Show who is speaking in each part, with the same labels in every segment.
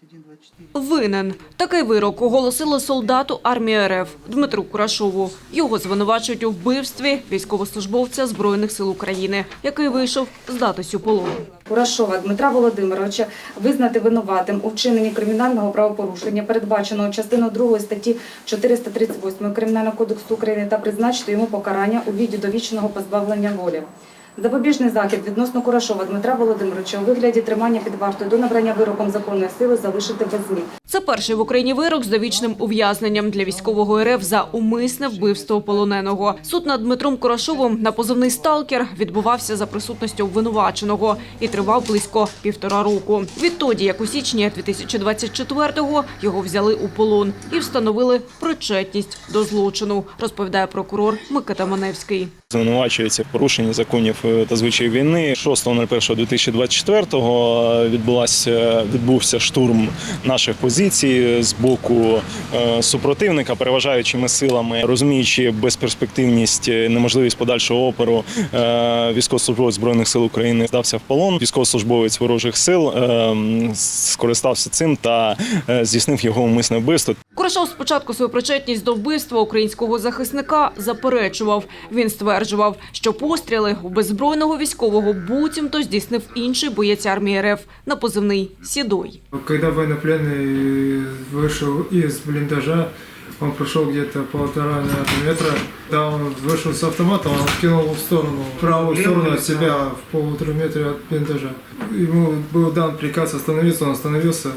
Speaker 1: Винен. Такий вирок оголосили солдату армії РФ Дмитру Курашову. Його звинувачують у вбивстві військовослужбовця Збройних сил України, який вийшов здатись у полон.
Speaker 2: Курашова Дмитра Володимировича визнати винуватим у вчиненні кримінального правопорушення, передбаченого частиною 2 статті 438 Кримінального кодексу України, та призначити йому покарання у виді довічного позбавлення волі. Запобіжний захід відносно Курашова Дмитра Володимировича у вигляді тримання під вартою до набрання вироком законної сили залишити без змін.
Speaker 1: Це перший в Україні вирок з довічним ув'язненням для військового РФ за умисне вбивство полоненого. Суд над Дмитром Курашовим на позивний «Сталкер» відбувався за присутністю обвинуваченого і тривав близько 1,5 року. Відтоді, як у січні 2024-го, його взяли у полон і встановили причетність до злочину, розповідає прокурор Микита Маневський.
Speaker 3: Звинувачується в порушенні законів та звичаїв війни. 6.01.2024-го відбувся штурм наших позицій з боку супротивника переважаючими силами. Розуміючи безперспективність, неможливість подальшого опору, військовослужбовець Збройних сил України здався в полон. Військовослужбовець ворожих сил скористався цим та здійснив його умисне вбивство.
Speaker 1: Курашов спочатку свою причетність до вбивства українського захисника заперечував. Він стверджував, що постріли у беззбройного військового буцімто здійснив інший боєць армії РФ на позивний «Седой».
Speaker 4: Коли военнопленный вышел из блиндажа, он прошел где-то 1,5 метра. Да, он вышел с автоматом, он кинул в сторону, в правую сторону от себя, в 1,5 метра от блиндажа. Ему был дан приказ остановиться, он остановился.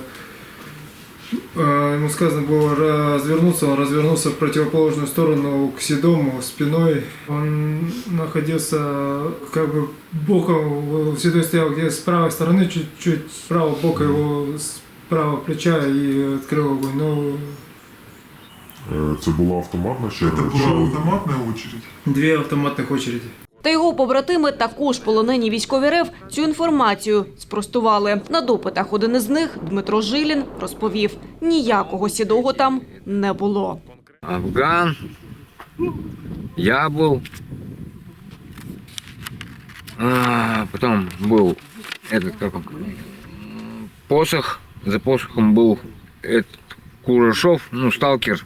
Speaker 4: Ему сказано было развернуться, он развернулся в противоположную сторону к Седому спиной. Он находился как бы боком, Седой стоял где-то с правой стороны, чуть-чуть с правого бока его, с правого плеча и открыл огонь. Но...
Speaker 5: Це була автоматна черга?
Speaker 6: Це була автоматна очередь?
Speaker 4: 2 автоматних очереди.
Speaker 1: Та його побратими, також полонені військові РФ, цю інформацію спростували. На допитах один із них, Дмитро Жилін, розповів, ніякого Седого там не було.
Speaker 7: Афган, я був, потім був посох, за посохом був Курашов, Сталкер,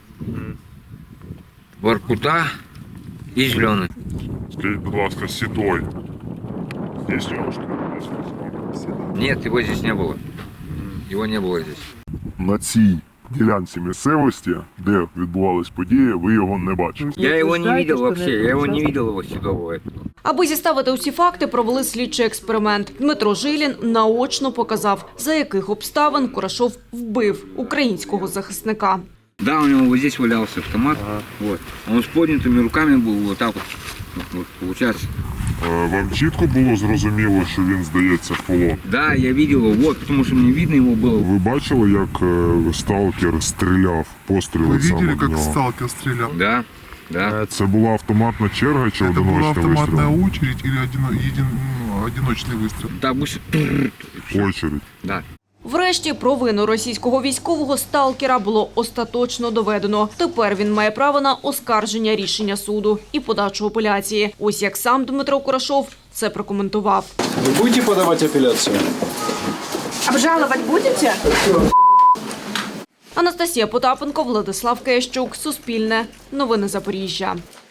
Speaker 7: Воркута і Зелений.
Speaker 5: Скажіть, будь ласка, Седой. Здесь девушка.
Speaker 7: Нет, его здесь не было. Его не было здесь.
Speaker 5: На цій ділянці місцевості, де відбувались події, ви його не бачили?
Speaker 7: Я его не видел вообще, я его не видел, его Седого.
Speaker 1: Аби зіставити усі факти, провели слідчий експеримент. Дмитро Жилін наочно показав, за яких обставин Курашов вбив українського захисника.
Speaker 7: Да, у него вот здесь валялся автомат, вот. Он с поднятыми руками был, вот так вот получается.
Speaker 5: Вам чітко було зрозуміло, що він здається в полон?
Speaker 7: Да, я видел его, вот, потому что мне видно его было.
Speaker 5: Ви бачили, як сталкер стріляв, постріли
Speaker 6: Вы
Speaker 5: саме
Speaker 6: видели,
Speaker 5: в
Speaker 6: как
Speaker 5: нього?
Speaker 6: сталкер стрелял?
Speaker 7: Да, да.
Speaker 5: Це була автоматна черга чи
Speaker 6: Это была
Speaker 5: одиночний
Speaker 6: автоматная
Speaker 5: вистріл?
Speaker 6: очередь или одиночный выстрел?
Speaker 7: Так, быстро.
Speaker 5: Очередь.
Speaker 7: Да.
Speaker 1: Врешті провину російського військового сталкера було остаточно доведено. Тепер він має право на оскарження рішення суду і подачу апеляції. Ось як сам Дмитро Курашов це прокоментував.
Speaker 8: Ви будете подавати апеляцію?
Speaker 2: Обжалувати будете?
Speaker 1: Анастасія Потапенко, Владислав Кещук, Суспільне, Новини Запоріжжя.